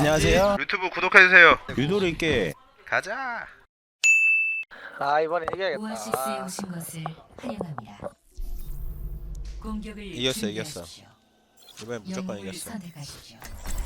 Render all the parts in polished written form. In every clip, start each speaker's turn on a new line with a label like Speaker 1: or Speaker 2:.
Speaker 1: 안녕하세요.
Speaker 2: 유튜브 구독해주세요.
Speaker 1: 유도리께
Speaker 2: 가자.
Speaker 3: 아 이번에 이겨야겠다.
Speaker 4: 오아시스에 오신 것을 환영합니다. 공격을
Speaker 1: 이겼어.
Speaker 4: 준비하십시오.
Speaker 1: 이번엔 무조건
Speaker 4: 영웅을
Speaker 1: 이겼어.
Speaker 4: 선택하십시오.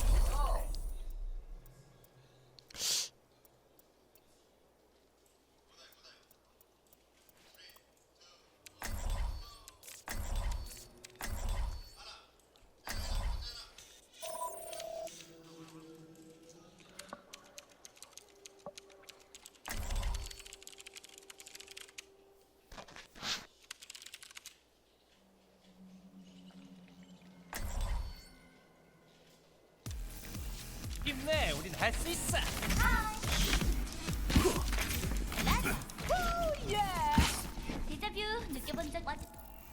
Speaker 5: 힘내, 우린 할 수 있어.
Speaker 6: 데자뷰 느껴본 적 왔.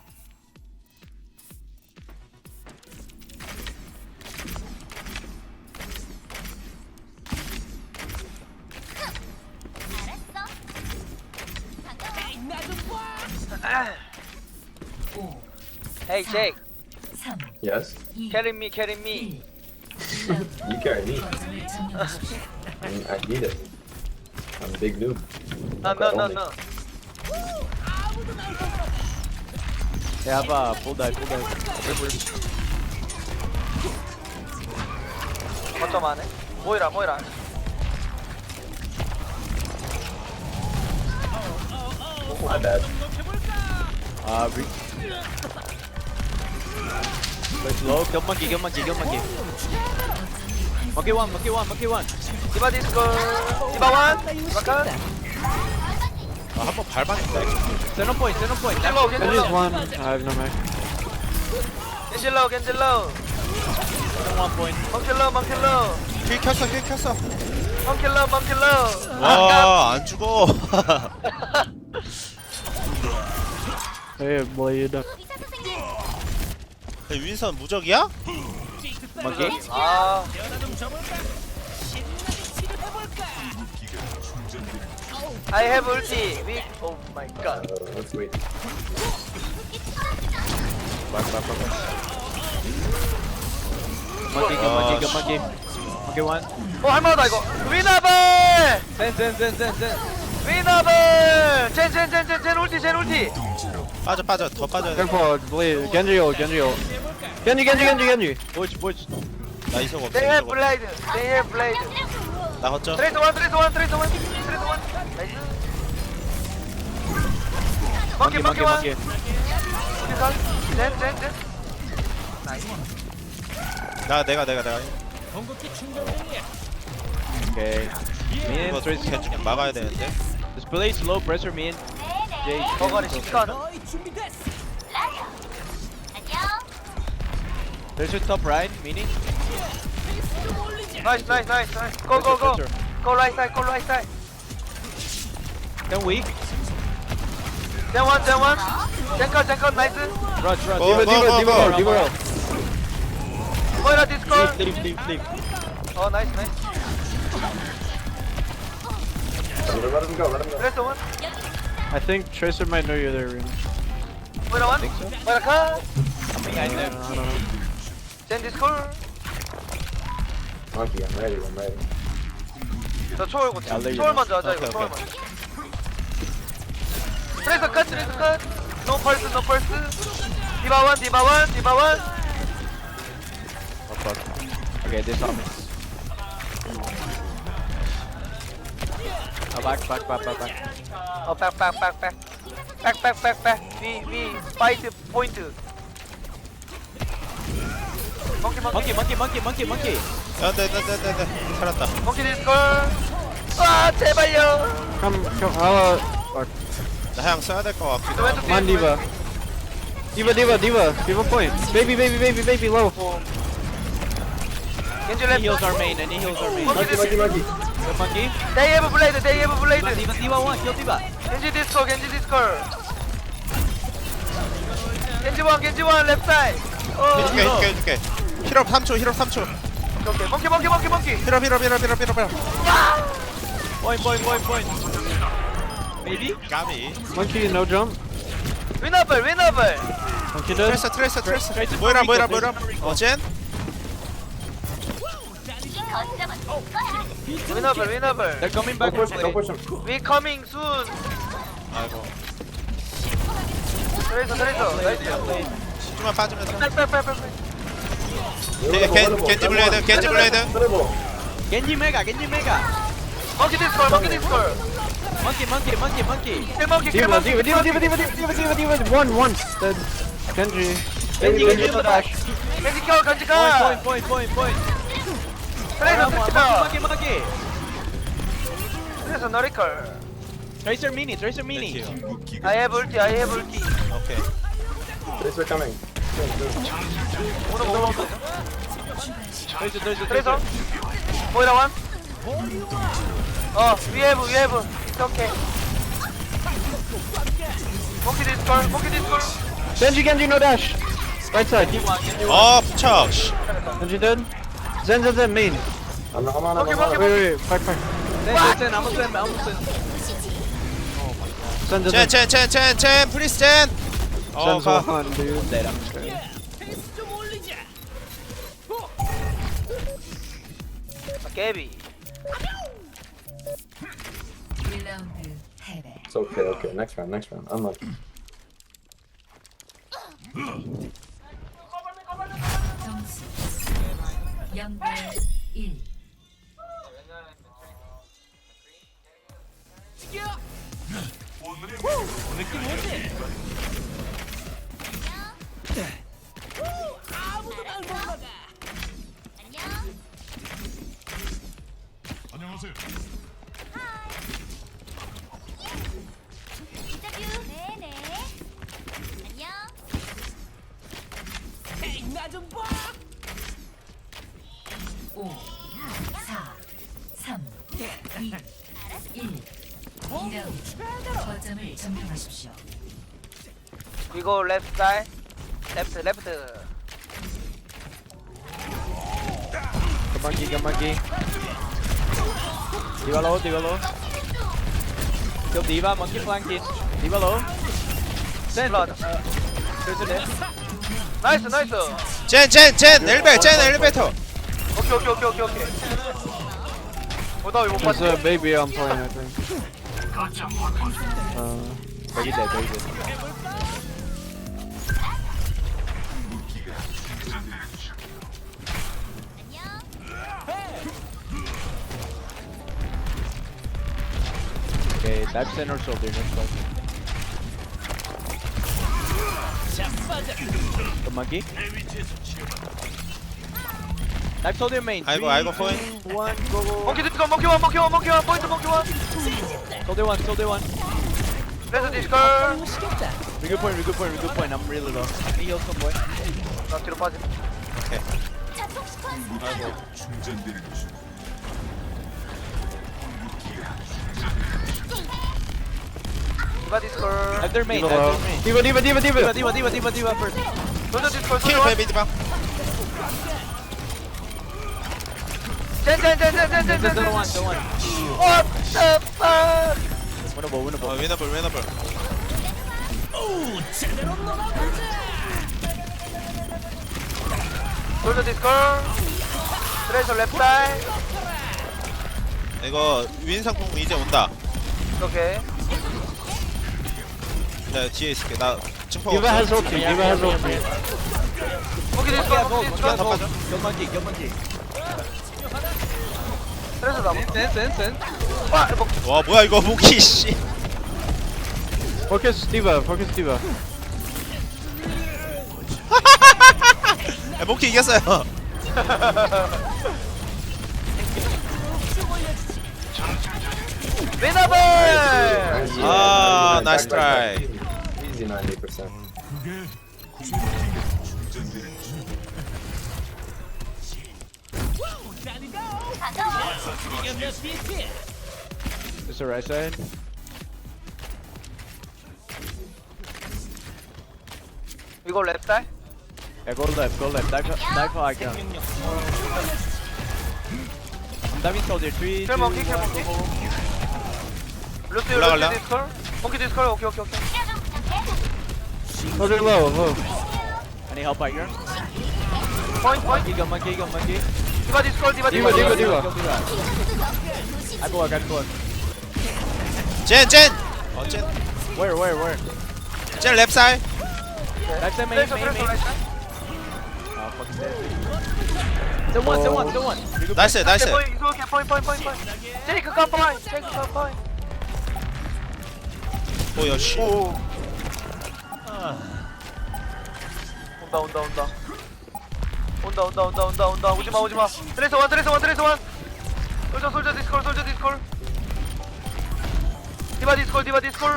Speaker 6: 알았어. 반가워.
Speaker 4: 5,
Speaker 3: Hey Jake,
Speaker 4: 3,
Speaker 7: Yes,
Speaker 4: 2,
Speaker 3: carry me, carry me.
Speaker 4: 1.
Speaker 7: you carry me.
Speaker 4: 거점을 점령하십시오.
Speaker 7: I need it. I'm a big noob.
Speaker 3: No.
Speaker 5: 야바, 볼다이.
Speaker 3: 거점 안에. 모이라.
Speaker 7: My bad.
Speaker 5: 아, slow. 견만기. 먹기 원.
Speaker 3: 디바 디스코. 디바 원. 디바 컷.
Speaker 1: 한번 밟았는데.
Speaker 5: 세노 포인트.
Speaker 3: 겐질로. 겐질로.
Speaker 5: 원 포인트.
Speaker 3: 멍킬로.
Speaker 1: 킬 켰어.
Speaker 3: 멍킬로.
Speaker 1: 와, 안 죽어.
Speaker 6: 의사 선생님.
Speaker 1: 윈선 무적이야?
Speaker 5: 먹기.
Speaker 3: 아. I have ulti. Oh my god.
Speaker 7: Let's wait.
Speaker 5: 먹기 원.
Speaker 3: 할만하다 이거. 위너블.
Speaker 5: 센.
Speaker 3: 위너블. 젠 울티.
Speaker 1: 빠져. 더 빠져야 돼.
Speaker 5: 겐지. 보이지.
Speaker 1: 나 이석 없어.
Speaker 3: They have
Speaker 1: 이석 없어.
Speaker 3: blade.
Speaker 1: 나 걷죠.
Speaker 3: 트레이스 원. 나이스. 먹기 원. 젠.
Speaker 1: 내가.
Speaker 5: 오케이.
Speaker 1: 이거
Speaker 5: 트레이스
Speaker 1: 계속 막아야 되는데.
Speaker 5: 디스플레이 슬로우 프레셔 민.
Speaker 3: 버거리 시간.
Speaker 6: 라디오. 안녕.
Speaker 5: 트레이스 톱 라인 미니.
Speaker 3: 나이스. Go. Go right side.
Speaker 5: Can we?
Speaker 3: 젠 원. 젠컷 나이스.
Speaker 5: Rush.
Speaker 1: 디바.
Speaker 3: 모이라 디스콜.
Speaker 5: Leave.
Speaker 3: 어 나이스.
Speaker 7: Let him go.
Speaker 3: 트레이스 원.
Speaker 8: I think Tracer might know you're there, Runa.
Speaker 3: 모이라 원. 모이라 컷.
Speaker 5: I know.
Speaker 3: 젠 디스콜.
Speaker 7: Monkey, I'm ready.
Speaker 3: 저 초월 먼저 하자 이거.
Speaker 1: 오케이.
Speaker 3: 초월 먼저. 트레이서 컷. 노 펄스. 디바 원.
Speaker 5: Okay, this on me. Back.
Speaker 3: 어 백. 위 파이트 포인트.
Speaker 5: Monkey.
Speaker 1: 야, 네. 살았다.
Speaker 3: 몽키 디스콜. 아 제발요.
Speaker 8: Come,
Speaker 1: 나 향 써야 될 것 같기도 하고.
Speaker 3: 왼쪽
Speaker 8: come on, Diva. Diva point. Baby, low.
Speaker 3: 겐지
Speaker 5: Any
Speaker 3: 랩.
Speaker 5: heals our main.
Speaker 3: 몽키 디스콜.
Speaker 7: Monkey.
Speaker 5: Monkey.
Speaker 3: They have blade.
Speaker 5: Diva one. Kill Diva.
Speaker 3: 겐지 디스콜. 겐지 원 랩 사이드.
Speaker 1: 해줄게. 힐업 3초.
Speaker 3: 오케이. 몽키.
Speaker 1: 힐업.
Speaker 5: Point. Maybe?
Speaker 1: 까비.
Speaker 8: Monkey, no jump.
Speaker 3: 위너블.
Speaker 8: Monkey dead.
Speaker 1: 트레이서. 모이라. 젠?
Speaker 3: Winnable.
Speaker 5: They're coming
Speaker 7: Don't
Speaker 5: back.
Speaker 7: push him, don't push him.
Speaker 3: We coming soon.
Speaker 1: 아이고.
Speaker 3: 트레이서. 나이스.
Speaker 1: 좀만 빠지면서.
Speaker 3: 빨빨빨빨.
Speaker 1: 겐지 블레이드, 겐지 블레이드.
Speaker 7: Terrible.
Speaker 5: Genji Mega.
Speaker 3: Monkey discord.
Speaker 5: Monkey.
Speaker 3: Kill monkey.
Speaker 8: Diva. One. Dead. Genji.
Speaker 5: Genji no dash.
Speaker 3: 겐지 켜. 겐지 가.
Speaker 5: Point.
Speaker 3: 트레이서 스키다.
Speaker 5: Monkey.
Speaker 3: 트레이서 너리컬.
Speaker 5: Tracer mini.
Speaker 3: I have ulti.
Speaker 1: 오케이.
Speaker 7: Tracer coming.
Speaker 3: 오늘 뭐 먹었어?
Speaker 5: Tracer.
Speaker 3: 트레이서. 모이라 원. we have. It's okay. Monkey discord.
Speaker 8: Genji, no dash. Right side.
Speaker 1: 어, 부착. 씨.
Speaker 8: Genji dead. Zen, main.
Speaker 7: I'm on.
Speaker 8: Wait. Fight.
Speaker 5: Send. I'm gonna send.
Speaker 1: 젠, 프리스 젠. 어,
Speaker 8: Zen's
Speaker 1: 가.
Speaker 8: one, dude.
Speaker 5: Dead, I'm sure.
Speaker 3: 깨비.
Speaker 4: 1라운드 패배.
Speaker 7: It's okay. Next round. Unlucky.
Speaker 4: 점수 0대 1.
Speaker 6: 인터뷰. 네네. 안녕.
Speaker 4: 5, 4, 3, 2, 1. 2라운드. 거점을 점령하십시오.
Speaker 3: We go left side. Left.
Speaker 5: Come monkey. Diva low. Kill Diva, monkey flanking. Diva low. Send. Tracer dead.
Speaker 3: 나이스.
Speaker 1: 젠, 엘리베이터.
Speaker 3: 오케이. 나 이거 못
Speaker 8: There's
Speaker 3: 봤지.
Speaker 8: a baby on point, I think.
Speaker 5: Very dead. Okay, dive center shoulder next one. The monkey. Dive shoulder main.
Speaker 1: 아이고, 포인.
Speaker 5: 1, go.
Speaker 3: 모nkey discord. 모nkey 원. 포인트 모nkey 원.
Speaker 5: Shoulder one.
Speaker 3: 트레이서 discord.
Speaker 5: We good point. I'm really low. Let me heal some boy.
Speaker 3: 나 뒤로 빠짐. 디바 디스콜.
Speaker 5: Dive their main.
Speaker 8: Diva low. Diva first.
Speaker 3: 솔저 디스콜.
Speaker 1: 킬 베이비 디바.
Speaker 5: Don't
Speaker 3: 젠.
Speaker 5: one.
Speaker 3: What the fuck?
Speaker 5: Winnable.
Speaker 1: 위너블.
Speaker 3: 솔저 디스콜. 트레이서 랩 사이드.
Speaker 1: 이거 윈상품 이제 온다.
Speaker 3: 오케이.
Speaker 1: 나 뒤에 있을게. 나 증폭
Speaker 8: Diva has
Speaker 1: 없어.
Speaker 8: ulti.
Speaker 3: 모nkey 디스콜.
Speaker 1: 다 빠져.
Speaker 5: Kill monkey.
Speaker 3: 트레이서 나무.
Speaker 5: Send.
Speaker 3: 와,
Speaker 1: 와, 뭐야 이거 무기 씨.
Speaker 8: Focus Diva.
Speaker 1: 야, 모키 이겼어요.
Speaker 3: 위너블.
Speaker 1: 아, 나이스 트라이.
Speaker 7: Easy 90%.
Speaker 5: This the right side.
Speaker 3: We go left side.
Speaker 5: Yeah, go left. Dive for icon. I'm diving soldier. 3, 2,
Speaker 3: Kill
Speaker 5: 1,
Speaker 3: monkey.
Speaker 5: go.
Speaker 3: 루스
Speaker 1: 올라갈라?
Speaker 3: 디스콜. 모nkey 디스콜. 오케이.
Speaker 8: Soldier low.
Speaker 5: Any help out here?
Speaker 3: 포인트.
Speaker 5: Monkey.
Speaker 3: 디바 디바 디스콜 디바
Speaker 8: Diva, Diva,
Speaker 3: 디스콜.
Speaker 8: Diva.
Speaker 5: I block, I block.
Speaker 1: 젠! 젠!
Speaker 5: Where?
Speaker 1: 젠 랩사이.
Speaker 5: Left side, main.
Speaker 3: 트레이서
Speaker 5: Oh,
Speaker 3: 트레이서.
Speaker 5: fucking dead. Still one.
Speaker 1: 나이스 나이스.
Speaker 3: 포인트. 테이크 컴파인.
Speaker 1: 오야 씨.
Speaker 3: 오. 온다. 오지마. 트레이서 원. 솔저 디스콜. 디바 디스콜.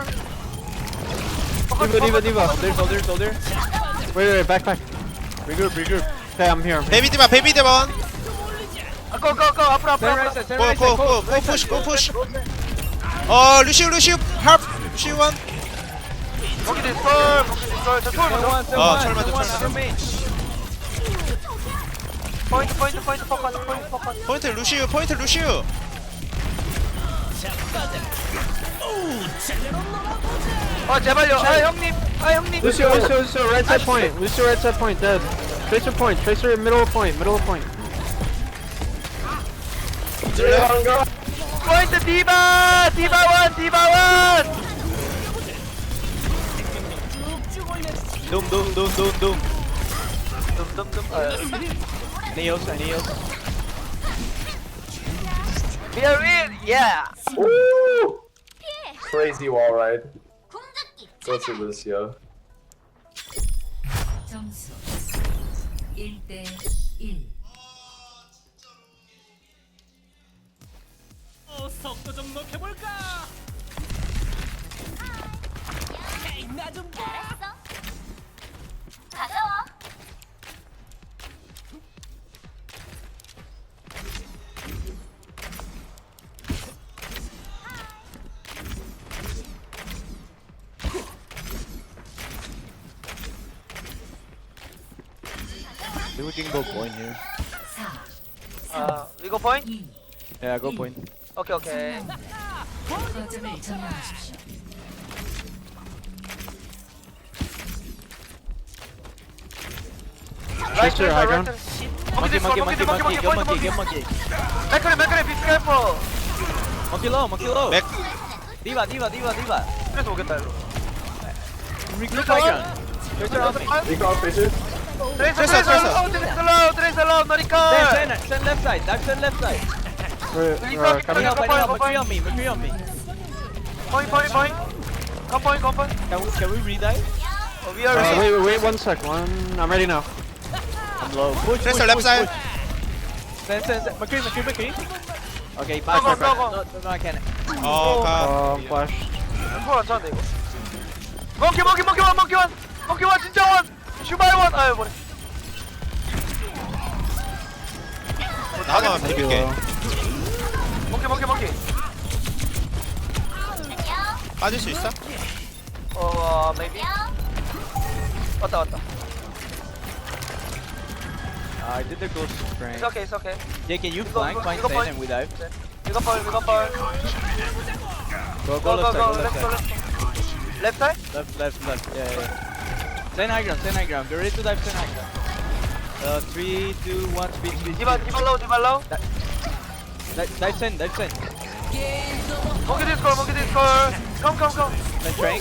Speaker 8: Diva.
Speaker 5: Soldier.
Speaker 8: Wait, back.
Speaker 5: Regroup.
Speaker 8: Okay, I'm here.
Speaker 1: 베이비 디바.
Speaker 3: 고 앞으로.
Speaker 1: 고 푸시. 루시우 합. 루시우 원.
Speaker 3: 거기 디스콜. 저 투어 먼저.
Speaker 1: 철만.
Speaker 3: 포인트 포커스.
Speaker 1: 포인트 루시우.
Speaker 3: 제발요. 형님.
Speaker 8: Lucio, right side point. Lucio, right side point, dead. Tracer point. Tracer middle of point.
Speaker 3: 포인트 디바 원.
Speaker 5: Doom.
Speaker 3: 둠.
Speaker 5: Neos.
Speaker 3: We are in. Yeah.
Speaker 7: Ooh! Crazy wall ride.
Speaker 6: 궁극기
Speaker 7: Go to Lucio.
Speaker 4: 점수 1대 1.
Speaker 6: 알았어. 가져와.
Speaker 5: We can go point here.
Speaker 4: 4,
Speaker 3: We go point.
Speaker 4: 2,
Speaker 5: Yeah, go point.
Speaker 3: 오케이.
Speaker 4: 거점을 점령하십시오.
Speaker 8: Tracer, high ground.
Speaker 5: Monkey.
Speaker 3: 맥크리 be careful.
Speaker 5: Monkey low.
Speaker 1: 맥.
Speaker 5: Diva.
Speaker 3: 그래서 오겠다 일로.
Speaker 5: Regroup high ground. Tracer on me.
Speaker 7: Recall Tracer.
Speaker 3: 트레이서 로우 너니까.
Speaker 5: Send left side. Dive left side.
Speaker 8: We're
Speaker 3: Coming.
Speaker 8: coming.
Speaker 5: Help. McCree on me.
Speaker 3: 포인트. 컴포인.
Speaker 5: Can we re-dive?
Speaker 3: We are ready.
Speaker 8: Wait 1 sec. I'm ready now.
Speaker 5: I'm low. Push.
Speaker 1: 트레이서 랩사이.
Speaker 5: Send. McCree. Okay,
Speaker 3: Go,
Speaker 5: back.
Speaker 3: go.
Speaker 5: No, I can't.
Speaker 8: Flash.
Speaker 3: 안 차는데 이거. 몽키 원 진짜 원. 슈바이 원. 아유 뭐래.
Speaker 1: 나만 비빌게.
Speaker 3: 몽키.
Speaker 6: 안녕.
Speaker 1: 빠질 수 있어?
Speaker 3: maybe. 왔다.
Speaker 5: I did the ghost prank.
Speaker 3: It's okay.
Speaker 5: Yeah, can you
Speaker 3: go,
Speaker 5: flank?
Speaker 3: go,
Speaker 5: Flank
Speaker 3: go,
Speaker 5: Stan
Speaker 3: go.
Speaker 5: and we dive.
Speaker 3: We go for.
Speaker 5: Go left side.
Speaker 3: Let's go. Left side?
Speaker 5: Left. Yeah. Stand high ground. Get ready to dive. Stand high ground. 3, 2, 1, speed.
Speaker 3: 디바 low.
Speaker 5: Dive send.
Speaker 3: 몽키 디스콜. Come.
Speaker 5: Then trank.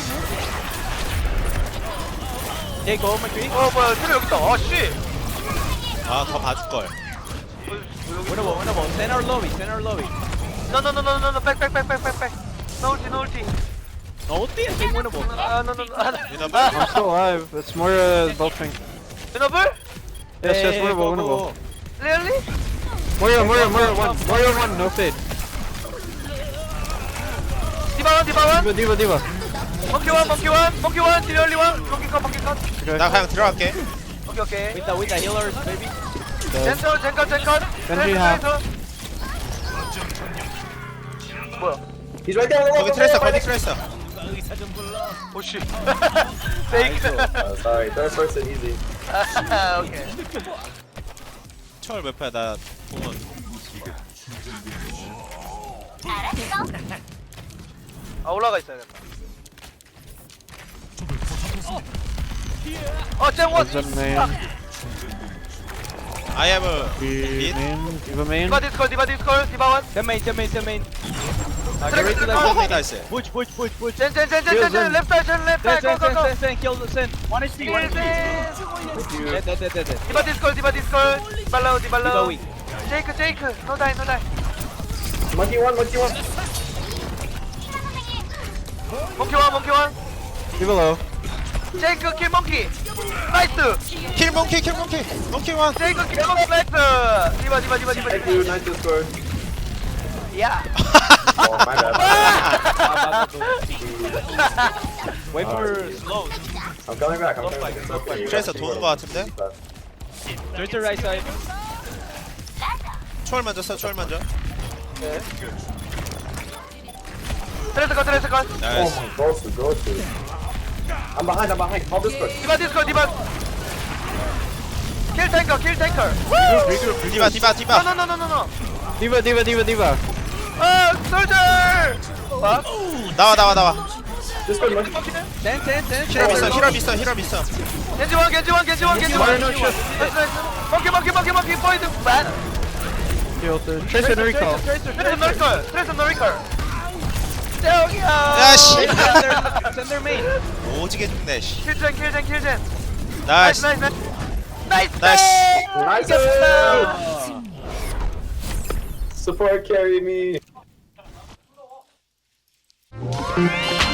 Speaker 5: Hey, go, McCree.
Speaker 3: 뭐야, 트레 여기 있다. 씨.
Speaker 1: 더 봐줄걸.
Speaker 5: Winnable. Send our lobby.
Speaker 3: No. Back. No ulti.
Speaker 5: No ulti, I think winnable.
Speaker 3: No.
Speaker 1: 위너블?
Speaker 8: I'm still alive. It's more both thing.
Speaker 3: Winnable?
Speaker 8: Yes, winnable.
Speaker 3: Really?
Speaker 8: Moira 1. No fade.
Speaker 3: 디바 원.
Speaker 8: Diva.
Speaker 3: 몽키 원. 딜리 원. 몽키 컷.
Speaker 1: 나 그냥 들어갈게.
Speaker 3: 오케이.
Speaker 5: With the healers, baby.
Speaker 3: 젠컬.
Speaker 8: Genji half.
Speaker 3: 뭐야?
Speaker 7: He's right there.
Speaker 1: 거기 트레이서.
Speaker 3: 오씨. 페이크.
Speaker 7: Sorry, third person easy.
Speaker 3: 오케이.
Speaker 1: 철 몇 패야 나 보면.
Speaker 6: 알았어.
Speaker 3: 올라가 있어야겠다. 잼원.
Speaker 8: Zen main.
Speaker 1: I have a
Speaker 8: Diva main, Diva main.
Speaker 3: 디바 디스콜 디바 디스콜 디바 원
Speaker 5: Ten main, ten main, ten main. Get
Speaker 3: Trek,
Speaker 5: ready to
Speaker 3: Trek,
Speaker 5: dive.
Speaker 3: Trek.
Speaker 1: 나이스.
Speaker 5: Push, push, push, push.
Speaker 3: 젠젠젠젠젠 랩 사이드 랩
Speaker 5: Send,
Speaker 3: 사이드
Speaker 5: send, send,
Speaker 3: 고고고
Speaker 5: send, send. Kill the send. One HP, one HP. Dead, dead, dead, dead, dead.
Speaker 3: 디바 디스콜 디바 디스콜 디발라우
Speaker 5: Diva
Speaker 3: 디발라우
Speaker 5: weak.
Speaker 3: 제이크 제이크 노다이 노다이
Speaker 7: Monkey one, monkey one.
Speaker 3: 몽키 원 몽키 원
Speaker 8: Diva low.
Speaker 3: 제이크 킬 몽키 나이스
Speaker 1: 킬 몽키 킬 몽키 몽키 원.
Speaker 3: 제이크 킬 몽키 나이스 디바 디바 디바 디바
Speaker 7: Thank you, nice Discord.
Speaker 3: 야
Speaker 7: Oh, my bad.
Speaker 5: Wait for slow.
Speaker 7: I'm coming back, I'm coming back. It's okay.
Speaker 1: 트레이서 도는 거 같은데?
Speaker 5: Tracer right side.
Speaker 1: 초월 먼저 써 초월 먼저.
Speaker 3: 트레스 컷 트레스 컷
Speaker 7: Oh
Speaker 1: 나이스.
Speaker 7: my god, go to. I'm behind. Call Discord.
Speaker 3: 디바 디스콜 디바 킬 탱커 킬 탱커
Speaker 1: 디바 디바 디바.
Speaker 3: 노노노노노
Speaker 8: Diva, Diva, Diva, Diva.
Speaker 3: 솔저
Speaker 1: 나와.
Speaker 7: Discord, monkey.
Speaker 5: Send, send, send.
Speaker 1: 힐업 있어.
Speaker 3: 겐지원
Speaker 8: Why no shit?
Speaker 3: 몽키 포인트 반
Speaker 8: Kill the Tracer and recall.
Speaker 3: 트레스 너리컬 저기요
Speaker 1: 야씨.
Speaker 5: Send their main.
Speaker 1: 오지게 죽네 씨.
Speaker 3: 킬젠
Speaker 1: 나이스.
Speaker 3: 나이스
Speaker 1: 나이스.
Speaker 7: Nice. Support carry me.